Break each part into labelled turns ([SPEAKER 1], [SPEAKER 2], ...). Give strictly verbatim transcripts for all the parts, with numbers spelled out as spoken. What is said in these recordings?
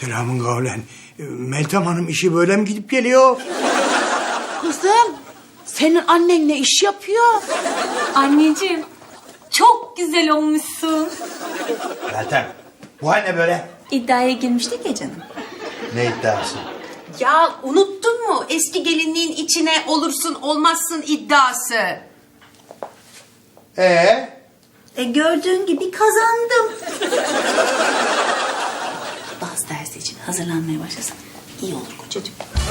[SPEAKER 1] Selamın kavlen. Meltem Hanım işi böyle mi gidip geliyor?
[SPEAKER 2] Kızım, senin annen ne iş yapıyor?
[SPEAKER 3] Anneciğim, çok güzel olmuşsun.
[SPEAKER 4] Meltem, bu hal ne böyle?
[SPEAKER 3] İddiaya girmiştik ya canım.
[SPEAKER 4] Ne iddiası?
[SPEAKER 5] Ya unuttun mu eski gelinliğin içine olursun olmazsın iddiası?
[SPEAKER 4] Ee?
[SPEAKER 3] E gördüğün gibi kazandım. Bazı dersi için hazırlanmaya başlasan iyi olur kocacığım.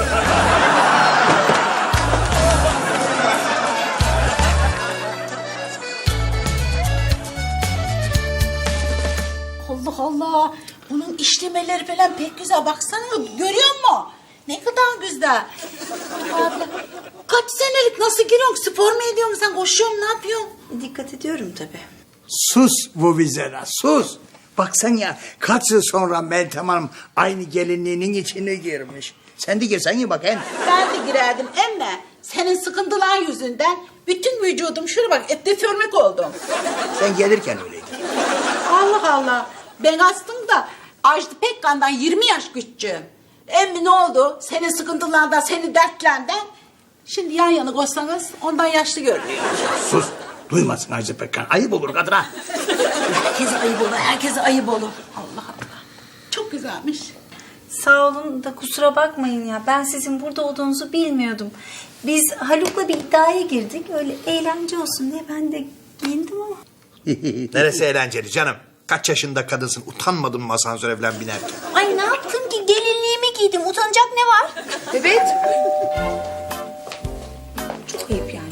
[SPEAKER 2] Allah Allah, bunun işlemeleri falan pek güzel. Baksana, görüyor musun? Ne kadar güzel. Abla, kaç senelik nasıl giriyorsun? Spor mu ediyorsun sen? Koşuyor musun? Ne yapıyorsun?
[SPEAKER 3] Dikkat ediyorum tabii.
[SPEAKER 1] Sus bu vizera, sus. Baksan ya, kaç yıl sonra Meltem Hanım aynı gelinliğinin içine girmiş. Sen de girsen ya bakayım.
[SPEAKER 2] Ben de girerdim emme. Senin sıkıntılar yüzünden bütün vücudum şuraya bak ette förmek oldum.
[SPEAKER 1] Sen gelirken öyleydi.
[SPEAKER 2] Allah Allah. Ben aslında Ajda Pekkan'dan yirmi yaş küçüğüm. Emmi ne oldu? Senin sıkıntılardan, senin dertlerinden. Şimdi yan yana koysanız ondan yaşlı görünüyor.
[SPEAKER 1] Sus, duymasın Ajda Pekkan. Ayıp olur kadına.
[SPEAKER 2] Herkese ayıp olur, herkese ayıp olur. Allah Allah. Çok güzelmiş.
[SPEAKER 3] Sağ olun da kusura bakmayın ya. Ben sizin burada olduğunuzu bilmiyordum. Biz Haluk'la bir iddiaya girdik. Öyle eğlence olsun diye ben de giyindim ama.
[SPEAKER 4] Neresi eğlenceli canım? Kaç yaşında kadınsın? Utanmadın mı asansöre falan binerken?
[SPEAKER 3] Ay ne yaptım ki? Gelinliğimi giydim. Utanacak ne var?
[SPEAKER 5] Evet.
[SPEAKER 3] Çok ayıp yani.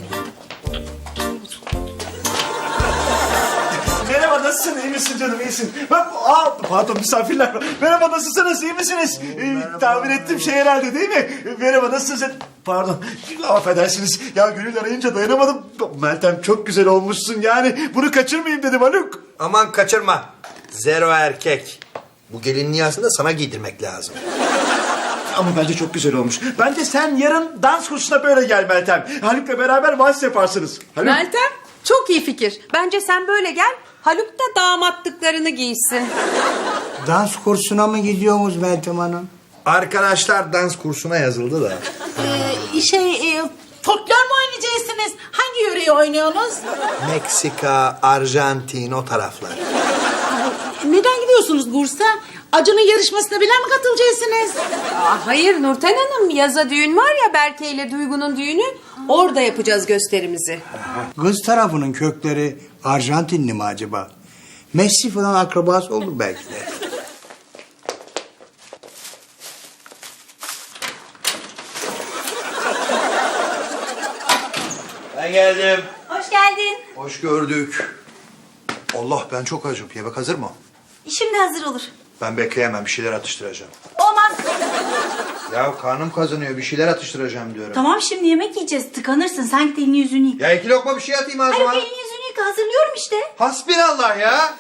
[SPEAKER 6] Merhaba, nasılsın? İyi misin canım? İyisin. Ben, aa, pardon, misafirler var. Merhaba, nasılsınız? İyi misiniz? Ee, tahmin ettim şey herhalde değil mi? Merhaba, nasılsın? Pardon, affedersiniz. Ya Gönül arayınca dayanamadım. Meltem çok güzel olmuşsun yani. Bunu kaçırmayayım dedim Haluk.
[SPEAKER 4] Aman kaçırma. Zero erkek. Bu gelinliği aslında sana giydirmek lazım.
[SPEAKER 6] Ama bence çok güzel olmuş. Bence sen yarın dans kursuna böyle gel Meltem. Haluk'la beraber vals yaparsınız. Haluk.
[SPEAKER 5] Meltem çok iyi fikir. Bence sen böyle gel. Haluk da damatlıklarını giysin.
[SPEAKER 1] Dans kursuna mı gidiyorsunuz Meltem Hanım?
[SPEAKER 4] Arkadaşlar dans kursuna yazıldı da.
[SPEAKER 2] Ee, şey, e, folklor mu oynayacaksınız? Hangi yöreyi oynuyorsunuz?
[SPEAKER 4] Meksika, Arjantin o taraflar.
[SPEAKER 2] Neden gidiyorsunuz Bursa? Acun'un yarışmasına bile mi katılacaksınız?
[SPEAKER 5] Aa, hayır Nurten Hanım, yaza düğün var ya Berke ile Duygu'nun düğünü. Orada yapacağız gösterimizi.
[SPEAKER 1] Kız tarafının kökleri Arjantinli mi acaba? Messi falan akrabası olur belki de.
[SPEAKER 4] Ben geldim.
[SPEAKER 3] Hoş geldin.
[SPEAKER 4] Hoş gördük. Allah, ben çok acım. Yemek hazır mı?
[SPEAKER 3] Şimdi hazır olur.
[SPEAKER 4] Ben bekleyemem. Bir şeyler atıştıracağım.
[SPEAKER 3] Olmaz.
[SPEAKER 4] Ya karnım kazanıyor. Bir şeyler atıştıracağım diyorum.
[SPEAKER 3] Tamam şimdi yemek yiyeceğiz. Tıkanırsın. Sen git elini yüzünü yıka.
[SPEAKER 4] Ya iki lokma bir şey atayım
[SPEAKER 3] Hayır
[SPEAKER 4] ağzıma.
[SPEAKER 3] elini yüzünü yıka. Hazırlıyorum işte.
[SPEAKER 4] Hasbinallah ya.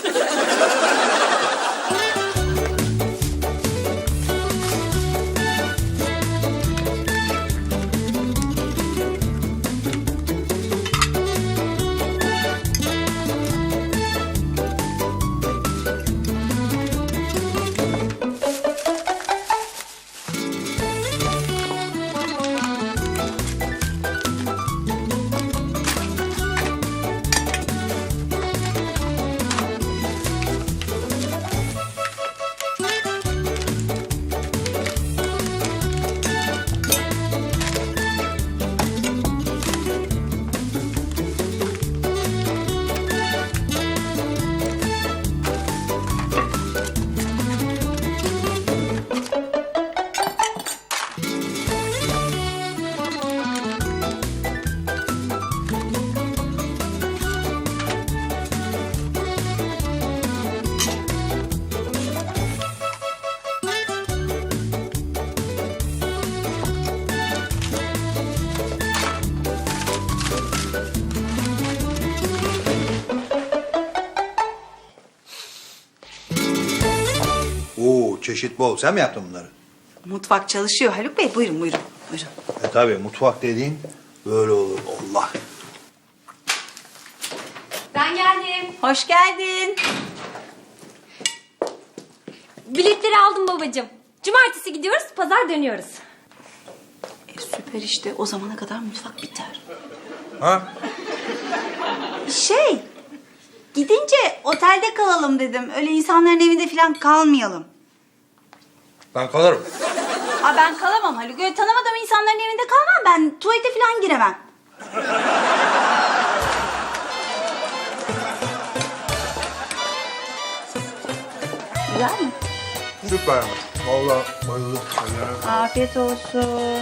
[SPEAKER 4] Oo, çeşit bol. Sen mi yaptın bunları?
[SPEAKER 3] Mutfak çalışıyor Haluk Bey. Buyurun buyurun. Buyurun.
[SPEAKER 4] E tabii, mutfak dediğin böyle olur. Allah.
[SPEAKER 3] Ben geldim. Hoş geldin.
[SPEAKER 7] Biletleri aldım babacığım. Cumartesi gidiyoruz, pazar dönüyoruz.
[SPEAKER 2] E, süper işte. O zamana kadar mutfak biter.
[SPEAKER 4] Ha?
[SPEAKER 3] Şey, gidince otelde kalalım dedim. Öyle insanların evinde falan kalmayalım.
[SPEAKER 4] Ben kalırım.
[SPEAKER 3] Aa, ben kalamam Haluk. Öyle tanımadığım insanların evinde kalmam. Ben tuvalete falan giremem. Güzel mi?
[SPEAKER 4] Süper. Vallahi bayıldım.
[SPEAKER 3] Afiyet olsun.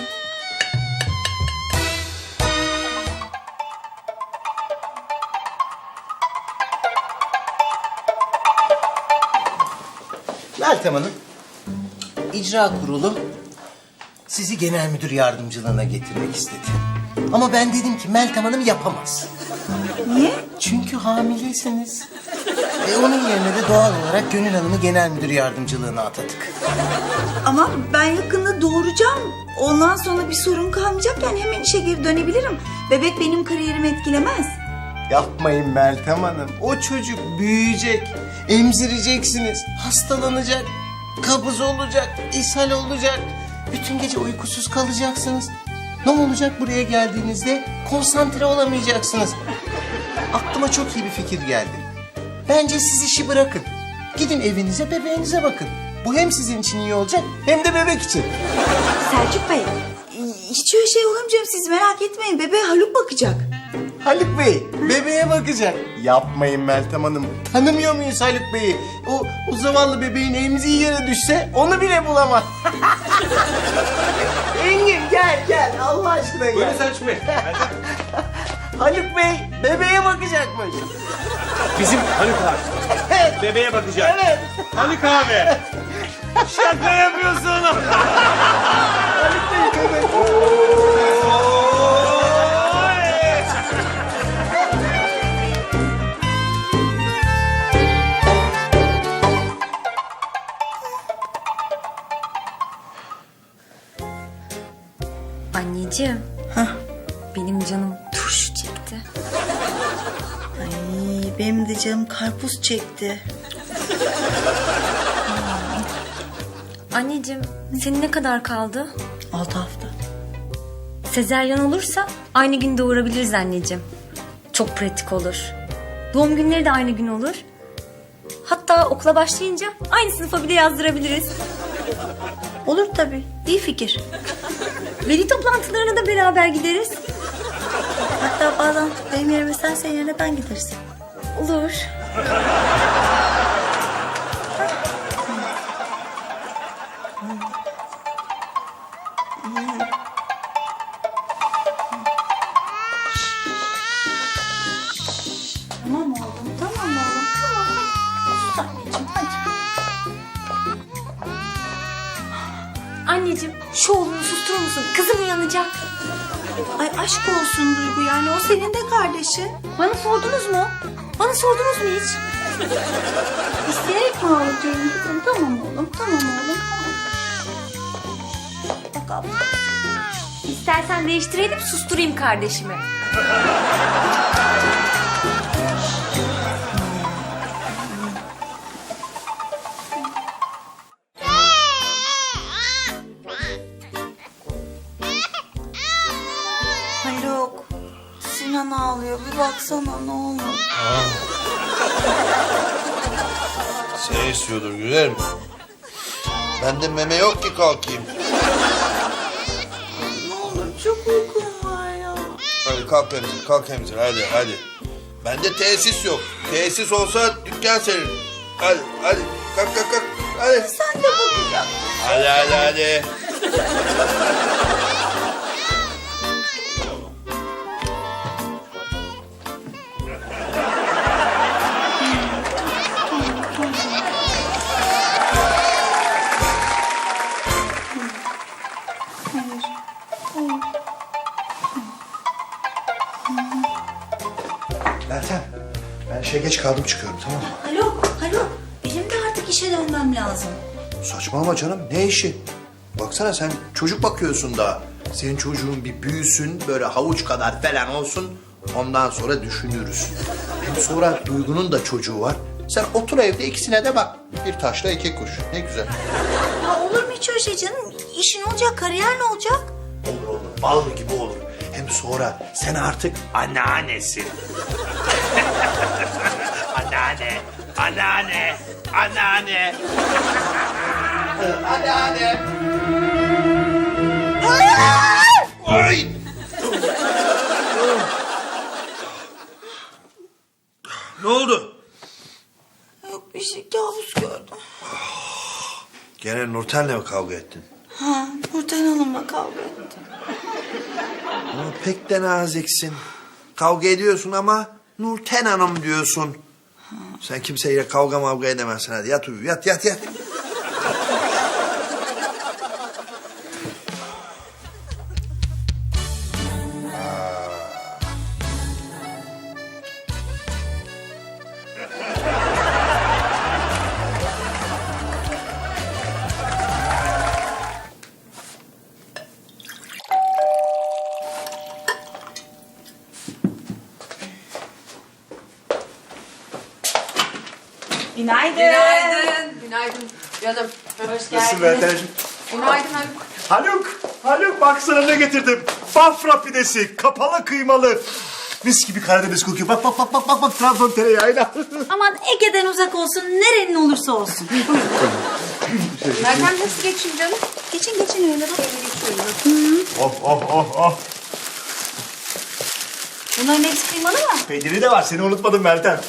[SPEAKER 8] Meltem Hanım, icra kurulu sizi genel müdür yardımcılığına getirmek istedi. Ama ben dedim ki Meltem Hanım yapamaz.
[SPEAKER 3] Niye?
[SPEAKER 8] Çünkü hamileysiniz. Ve onun yerine de doğal olarak Gönül Hanım'ı genel müdür yardımcılığına atadık.
[SPEAKER 3] Ama ben yakında doğuracağım. Ondan sonra bir sorun kalmayacak, yani hemen işe geri dönebilirim. Bebek benim kariyerimi etkilemez.
[SPEAKER 8] Yapmayın Meltem Hanım. O çocuk büyüyecek, emzireceksiniz, hastalanacak, kabız olacak, ishal olacak. Bütün gece uykusuz kalacaksınız. Ne olacak buraya geldiğinizde? Konsantre olamayacaksınız. Aklıma çok iyi bir fikir geldi. Bence siz işi bırakın. Gidin evinize, bebeğinize bakın. Bu hem sizin için iyi olacak hem de bebek için.
[SPEAKER 3] Selçuk Bey, hiç öyle şey olamayacağım, siz merak etmeyin. Bebeğe Haluk bakacak.
[SPEAKER 8] Haluk Bey, bebeğe bakacak. Yapmayın Meltem Hanım. Tanımıyor muyuz Haluk Bey'i? O, o zavallı bebeğin emziği yere düşse onu bile bulamaz. Engin gel gel Allah aşkına gel.
[SPEAKER 4] Buyurun Selçuk Bey.
[SPEAKER 8] Haluk Bey bebeğe bakacakmış.
[SPEAKER 9] Bizim Haluk abi. Bebeğe bakacak.
[SPEAKER 8] Evet.
[SPEAKER 9] Haluk abi. Şaka yapıyorsun.
[SPEAKER 8] Haluk Bey bebek.
[SPEAKER 7] Anneciğim. Benim canım turşu çekti.
[SPEAKER 3] Ay, benim de canım karpuz çekti.
[SPEAKER 7] Anneciğim, senin ne kadar kaldı?
[SPEAKER 3] Altı hafta.
[SPEAKER 7] Sezeryan olursa aynı gün doğurabiliriz anneciğim. Çok pratik olur. Doğum günleri de aynı gün olur. Hatta okula başlayınca aynı sınıfa bile yazdırabiliriz.
[SPEAKER 3] Olur tabii, iyi fikir.
[SPEAKER 7] Veli toplantılarına da beraber gideriz.
[SPEAKER 3] Hatta bazen benim yerime sen, senin yerine ben gideriz.
[SPEAKER 7] Olur.
[SPEAKER 3] Tamam oğlum, tamam oğlum, tamam. Sus anneciğim, hadi.
[SPEAKER 7] Anneciğim, şu oğlunu susturur musun? Kızım uyanacak.
[SPEAKER 3] Ay aşk olsun Duygu, yani o senin de kardeşin.
[SPEAKER 7] Bana sordunuz mu? Bana sordunuz mu hiç?
[SPEAKER 3] İsteyerek mi ağlatıyorum kızım? Tamam oğlum, tamam oğlum, tamam. Bak abla.
[SPEAKER 7] İstersen değiştirelim, susturayım kardeşimi.
[SPEAKER 3] Haluk, Sinan ağlıyor. Bir baksana ne olur.
[SPEAKER 4] Seni istiyordur güzelim. Bende meme yok ki kalkayım.
[SPEAKER 3] Ne olur, çok uykum var ya.
[SPEAKER 4] Hadi kalk emzir, kalk emzir hadi hadi. Bende tesis yok. Tesis olsa dükkan senin. Hadi hadi kalk kalk kalk. Hadi.
[SPEAKER 3] Sen de bakacaksın.
[SPEAKER 4] Hadi hadi hadi.
[SPEAKER 6] Meltem, ben işe geç kaldım çıkıyorum tamam mı?
[SPEAKER 3] Haluk, Haluk. Benim de artık işe dönmem lazım.
[SPEAKER 4] Saçmalama canım ne işi? Baksana sen çocuk bakıyorsun daha. Senin çocuğun bir büyüsün böyle havuç kadar falan olsun. Ondan sonra düşünürüz. Hem sonra Duygu'nun da çocuğu var. Sen otur evde ikisine de bak. Bir taşla iki kuş. Ne güzel.
[SPEAKER 3] Ya olur mu hiç öyle şey canım? İşin olacak, kariyer ne olacak?
[SPEAKER 4] Olur olur. Bal gibi olur. Hem sonra sen artık anneannesin. anneanne, anneanne, anneanne. anneanne. Ay! Ne oldu?
[SPEAKER 3] Yok bir şey, kabus gördüm.
[SPEAKER 4] Gene Nurten'le mi kavga ettin?
[SPEAKER 3] Ha, Nurten Hanım'la kavga ettim.
[SPEAKER 4] Ama pek de naziksin. Kavga ediyorsun ama Nurten Hanım diyorsun. Sen kimseyle kavga mavga edemezsin. Hadi yat uyu. Yat yat yat.
[SPEAKER 3] Günaydın.
[SPEAKER 5] Günaydın. Günaydın canım. Hoş
[SPEAKER 6] Nasılsın Meltemciğim?
[SPEAKER 5] Günaydın Haluk.
[SPEAKER 6] Haluk, Haluk bak sana ne getirdim. Bafra pidesi, kapalı kıymalı. Mis gibi Karadeniz kokuyor. Bak bak bak bak bak bak Trabzon tereyağıyla.
[SPEAKER 3] Aman Ege'den uzak olsun, nerenin olursa olsun.
[SPEAKER 5] Meltem nasıl geçin canım?
[SPEAKER 3] Geçin geçin öyle bak.
[SPEAKER 6] oh oh oh oh.
[SPEAKER 3] Bunların hepsi kıymalı mı?
[SPEAKER 6] Peyniri de var, seni unutmadım Meltem.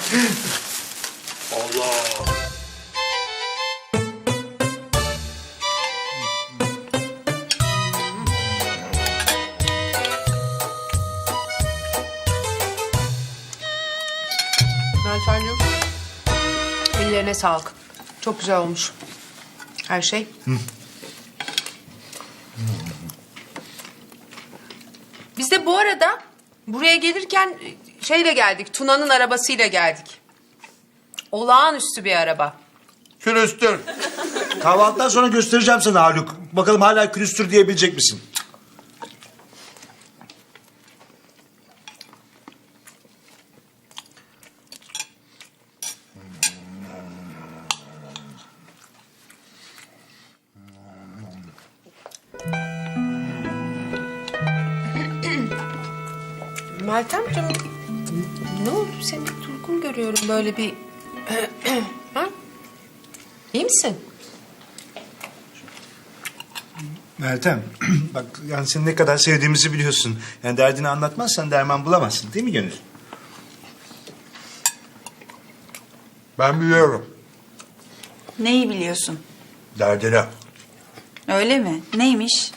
[SPEAKER 5] Meltemciğim. Ellerine sağlık. Çok güzel olmuş. Her şey. Biz de bu arada buraya gelirken şeyle geldik. Tuna'nın arabasıyla geldik. Olağanüstü bir araba.
[SPEAKER 4] Külüstür.
[SPEAKER 6] Kahvaltıdan sonra göstereceğim sana Haluk. Bakalım hala külüstür diyebilecek misin?
[SPEAKER 5] Meltemciğim ne oldu? Seni bir durgun görüyorum böyle bir... ha? İyi misin?
[SPEAKER 6] Meltem, bak yani seni ne kadar sevdiğimizi biliyorsun. Yani derdini anlatmazsan derman bulamazsın değil mi Gönül?
[SPEAKER 4] Ben biliyorum.
[SPEAKER 2] Neyi biliyorsun?
[SPEAKER 4] Derdine.
[SPEAKER 2] Öyle mi? Neymiş?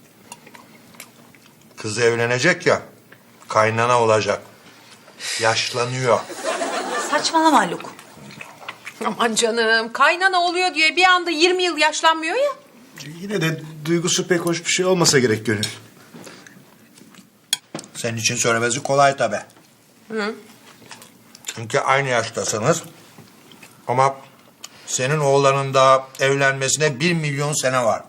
[SPEAKER 4] Kız evlenecek ya. Kaynana olacak. Yaşlanıyor.
[SPEAKER 2] Saçmalama Haluk.
[SPEAKER 5] Aman canım, kaynana oluyor diye bir anda yirmi yıl yaşlanmıyor ya.
[SPEAKER 6] Yine de duygusu pek hoş bir şey olmasa gerek Gönül.
[SPEAKER 4] Senin için söylemesi kolay tabii.
[SPEAKER 5] Hı.
[SPEAKER 4] Çünkü aynı yaştasınız. Ama senin oğlanın da evlenmesine bir milyon sene var.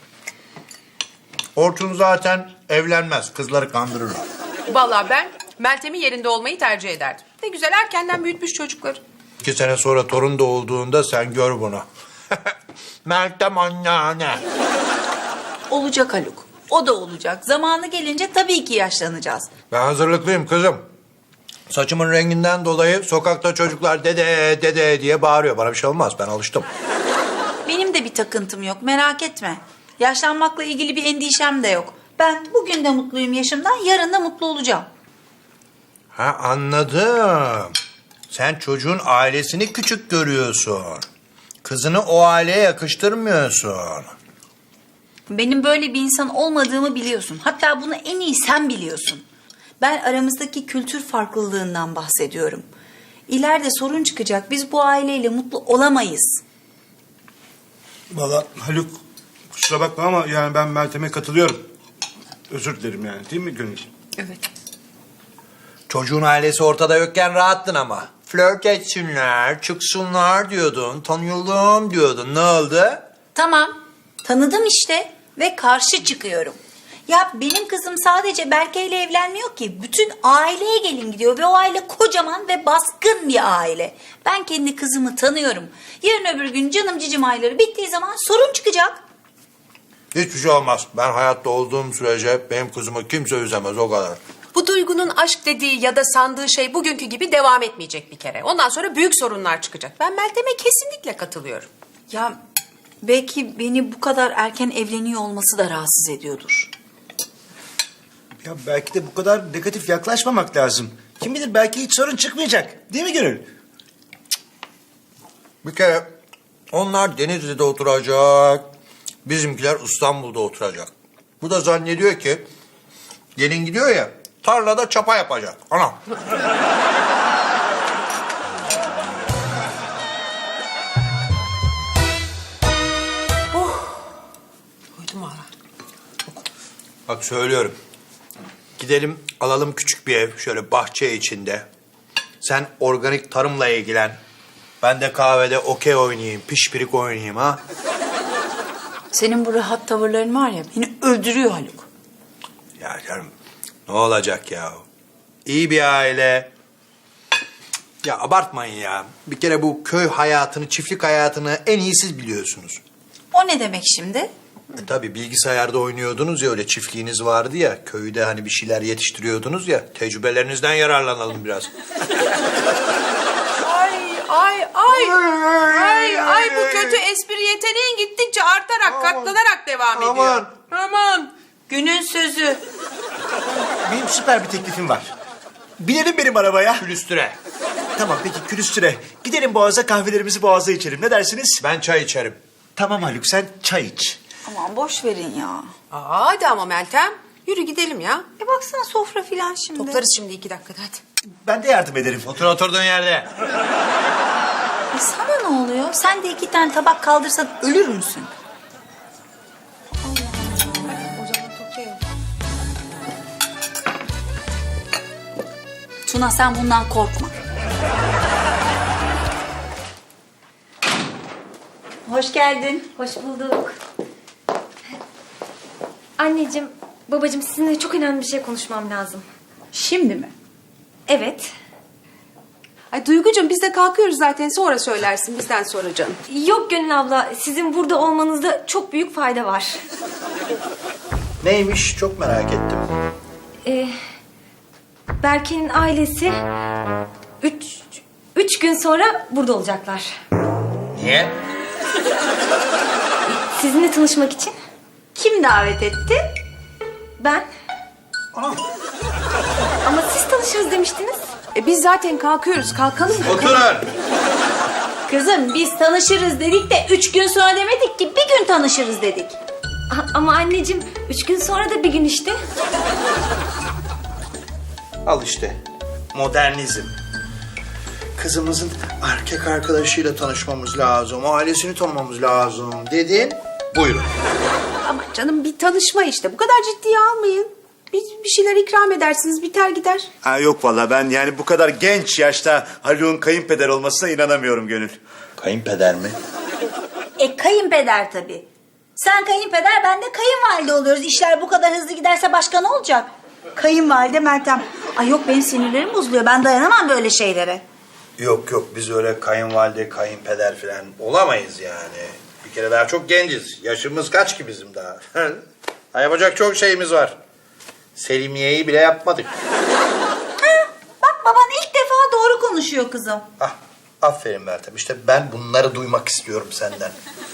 [SPEAKER 4] Orçun zaten evlenmez. Kızları kandırırlar.
[SPEAKER 5] Vallahi ben Meltem'in yerinde olmayı tercih ederdim. Ne güzel erkenden büyütmüş çocukları.
[SPEAKER 4] İki sene sonra torun doğduğunda sen gör bunu. Meltem anneanne.
[SPEAKER 2] Olacak Haluk. O da olacak. Zamanı gelince tabii ki yaşlanacağız.
[SPEAKER 4] Ben hazırlıklıyım kızım. Saçımın renginden dolayı sokakta çocuklar dede dede diye bağırıyor. Bana bir şey olmaz, ben alıştım.
[SPEAKER 2] Benim de bir takıntım yok, merak etme. Yaşlanmakla ilgili bir endişem de yok. Ben bugün de mutluyum yaşımdan, yarın da mutlu olacağım.
[SPEAKER 4] Ha, anladım. Sen çocuğun ailesini küçük görüyorsun. Kızını o aileye yakıştırmıyorsun.
[SPEAKER 2] Benim böyle bir insan olmadığımı biliyorsun. Hatta bunu en iyi sen biliyorsun. Ben aramızdaki kültür farklılığından bahsediyorum. İleride sorun çıkacak. Biz bu aileyle mutlu olamayız.
[SPEAKER 6] Vallahi Haluk kusura bakma ama yani ben Meltem'e katılıyorum. Özür dilerim yani değil mi Gönül?
[SPEAKER 5] Evet.
[SPEAKER 4] Çocuğun ailesi ortada yokken rahattın ama. Flört etsinler, çıksınlar diyordun, tanıyalım diyordun. Ne oldu?
[SPEAKER 2] Tamam, tanıdım işte ve karşı çıkıyorum.
[SPEAKER 3] Ya benim kızım sadece Berke ile evlenmiyor ki. Bütün aileye gelin gidiyor ve o aile kocaman ve baskın bir aile. Ben kendi kızımı tanıyorum. Yarın öbür gün canım cicim ayları bittiği zaman sorun çıkacak.
[SPEAKER 4] Hiçbir şey olmaz. Ben hayatta olduğum sürece benim kızımı kimse üzemez, o kadar.
[SPEAKER 5] Bu Duygu'nun aşk dediği ya da sandığı şey bugünkü gibi devam etmeyecek bir kere. Ondan sonra büyük sorunlar çıkacak. Ben Meltem'e kesinlikle katılıyorum.
[SPEAKER 3] Ya belki beni bu kadar erken evleniyor olması da rahatsız ediyordur.
[SPEAKER 6] Ya belki de bu kadar negatif yaklaşmamak lazım. Kim bilir belki hiç sorun çıkmayacak. Değil mi Gönül?
[SPEAKER 4] Bir kere onlar Denizli'de oturacak, bizimkiler İstanbul'da oturacak. Bu da zannediyor ki gelin gidiyor ya, tarlada çapa yapacak. Anam.
[SPEAKER 5] Duydum hala.
[SPEAKER 4] Bak söylüyorum. Gidelim alalım küçük bir ev şöyle bahçe içinde. Sen organik tarımla ilgilen. Ben de kahvede okey oynayayım, pişpirik oynayayım ha.
[SPEAKER 2] Senin bu rahat tavırların var ya beni öldürüyor Haluk.
[SPEAKER 4] Ya canım ne olacak ya? İyi bir aile. Ya abartmayın ya. Bir kere bu köy hayatını, çiftlik hayatını en iyi siz biliyorsunuz.
[SPEAKER 3] O ne demek şimdi?
[SPEAKER 4] E tabii bilgisayarda oynuyordunuz ya, öyle çiftliğiniz vardı ya. Köyde hani bir şeyler yetiştiriyordunuz ya. Tecrübelerinizden yararlanalım biraz.
[SPEAKER 5] Ay ay ay. Ay ay bu kötü espri yeteneğin gittikçe artarak, katlanarak devam ediyor.
[SPEAKER 4] Aman.
[SPEAKER 5] Aman.
[SPEAKER 2] Günün sözü.
[SPEAKER 6] Benim süper bir teklifim var. Binelim benim arabaya.
[SPEAKER 4] Külüstüre.
[SPEAKER 6] Tamam peki külüstüre. Gidelim Boğaz'a kahvelerimizi Boğaz'da içelim. Ne dersiniz?
[SPEAKER 4] Ben çay içerim.
[SPEAKER 6] Tamam Haluk sen çay iç.
[SPEAKER 3] Aman boş verin ya.
[SPEAKER 5] Aa, hadi ama Meltem. Yürü gidelim ya.
[SPEAKER 3] E baksana sofra filan şimdi.
[SPEAKER 5] Toplarız şimdi iki dakikada hadi.
[SPEAKER 6] Ben de yardım ederim.
[SPEAKER 4] Otur oturduğun yerde.
[SPEAKER 3] E sana ne oluyor? Sen de iki tane tabak kaldırsan ölür müsün?
[SPEAKER 5] O zaman toplayalım.
[SPEAKER 3] Tuna sen bundan korkma. Hoş geldin.
[SPEAKER 7] Hoş bulduk. Anneciğim, babacığım sizinle çok önemli bir şey konuşmam lazım.
[SPEAKER 2] Şimdi mi?
[SPEAKER 7] Evet.
[SPEAKER 5] Ay Duygucuğum biz de kalkıyoruz zaten, sonra söylersin bizden sonra canım.
[SPEAKER 7] Yok Gönül abla, sizin burada olmanızda çok büyük fayda var.
[SPEAKER 4] Neymiş çok merak ettim.
[SPEAKER 7] Ee, Berke'nin ailesi üç, üç gün sonra burada olacaklar.
[SPEAKER 4] Niye?
[SPEAKER 7] Sizinle tanışmak için.
[SPEAKER 3] Kim davet etti?
[SPEAKER 7] Ben. Ama siz tanışırız demiştiniz.
[SPEAKER 5] E biz zaten kalkıyoruz, kalkalım.
[SPEAKER 4] Oturun.
[SPEAKER 3] Kızım biz tanışırız dedik de üç gün sonra demedik ki bir gün tanışırız dedik.
[SPEAKER 7] A- ama anneciğim, üç gün sonra da bir gün işte.
[SPEAKER 4] Al işte. Modernizm. Kızımızın erkek arkadaşıyla tanışmamız lazım. Ailesini tanımamız lazım dedin. Buyurun.
[SPEAKER 5] Ama canım bir tanışma işte, bu kadar ciddiye almayın. Bir, bir şeyler ikram edersiniz, biter gider.
[SPEAKER 6] Ha yok valla ben yani bu kadar genç yaşta Haluk'un kayınpeder olmasına inanamıyorum Gönül.
[SPEAKER 4] Kayınpeder mi?
[SPEAKER 3] E kayınpeder tabii. Sen kayınpeder ben de kayınvalide oluyoruz. İşler bu kadar hızlı giderse başka ne olacak? Kayınvalide Meltem. Ay yok benim sinirlerim bozuluyor. Ben dayanamam böyle şeylere.
[SPEAKER 4] Yok yok biz öyle kayınvalide, kayınpeder falan olamayız yani. Bir kere daha çok genciz. Yaşımız kaç ki bizim daha? Ha, yapacak çok şeyimiz var. Selimiye'yi bile yapmadık.
[SPEAKER 3] Bak baban ilk defa doğru konuşuyor kızım.
[SPEAKER 4] Ah, aferin Meltem. İşte ben bunları duymak istiyorum senden.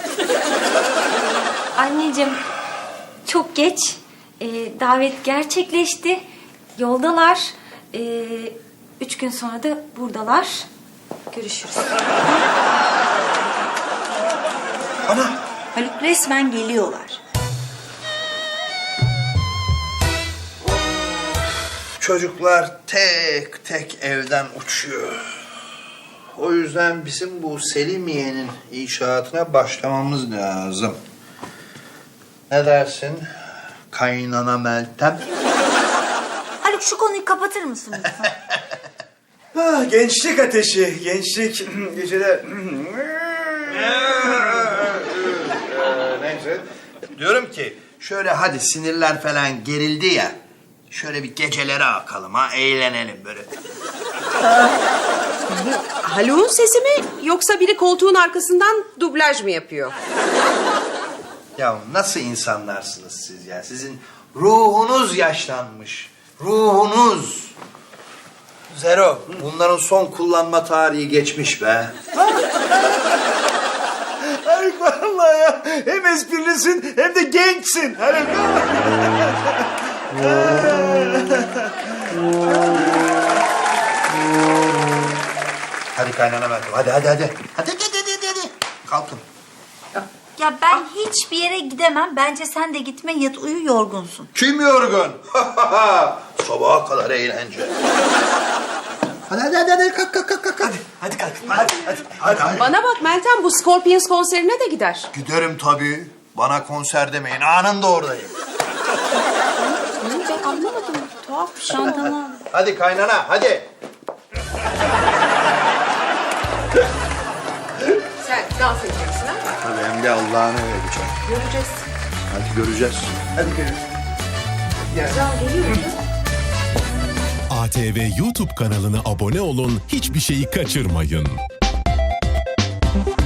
[SPEAKER 7] Anneciğim, çok geç. Ee, davet gerçekleşti. Yoldalar. Ee, üç gün sonra da buradalar. Görüşürüz.
[SPEAKER 6] Ana
[SPEAKER 3] Haluk resmen geliyorlar.
[SPEAKER 4] Çocuklar tek tek evden uçuyor. O yüzden bizim bu Selimiye'nin inşaatına başlamamız lazım. Ne dersin? Kaynana Meltem.
[SPEAKER 3] Haluk şu konuyu kapatır mısın lütfen?
[SPEAKER 6] ah, gençlik ateşi, gençlik geceler.
[SPEAKER 4] Neyse. Diyorum ki Şöyle hadi sinirler falan gerildi ya. Şöyle bir gecelere akalım ha, eğlenelim böyle.
[SPEAKER 5] Haluk'un sesi mi yoksa biri koltuğun arkasından dublaj mı yapıyor?
[SPEAKER 4] Ya nasıl insanlarsınız siz ya? Sizin ruhunuz yaşlanmış. Ruhunuz. Zero, bunların son kullanma tarihi geçmiş be.
[SPEAKER 6] Haluk vallahi ya. Hem esprilisin hem de gençsin. Haluk.
[SPEAKER 4] Hadi kaynana Meltem, hadi hadi hadi. Hadi hadi hadi hadi. hadi. Kalkın.
[SPEAKER 3] Ya ben hiçbir yere gidemem. Bence sen de gitme, yat uyu, yorgunsun.
[SPEAKER 4] Kim yorgun? Sabaha kadar eğlence. Hadi hadi hadi, hadi. kalk kalk kalk kalk. Hadi.
[SPEAKER 6] Hadi kalk. Hadi hadi. Hadi. hadi.
[SPEAKER 5] Bana bak Meltem, bu Scorpions konserine de gider.
[SPEAKER 4] Giderim tabii. Bana konser demeyin, anında oradayım.
[SPEAKER 5] Ben anlamadım. Tuhaf bir şey.
[SPEAKER 3] Çantamı al.
[SPEAKER 4] Hadi kaynana, hadi.
[SPEAKER 5] Sen dans edeceksin ha?
[SPEAKER 4] Tabii hem de Allah'ını vereceğim.
[SPEAKER 5] Göreceğiz.
[SPEAKER 4] Hadi göreceğiz.
[SPEAKER 6] Hadi görüşürüz.
[SPEAKER 10] A T V YouTube kanalına abone olun, hiçbir şeyi kaçırmayın.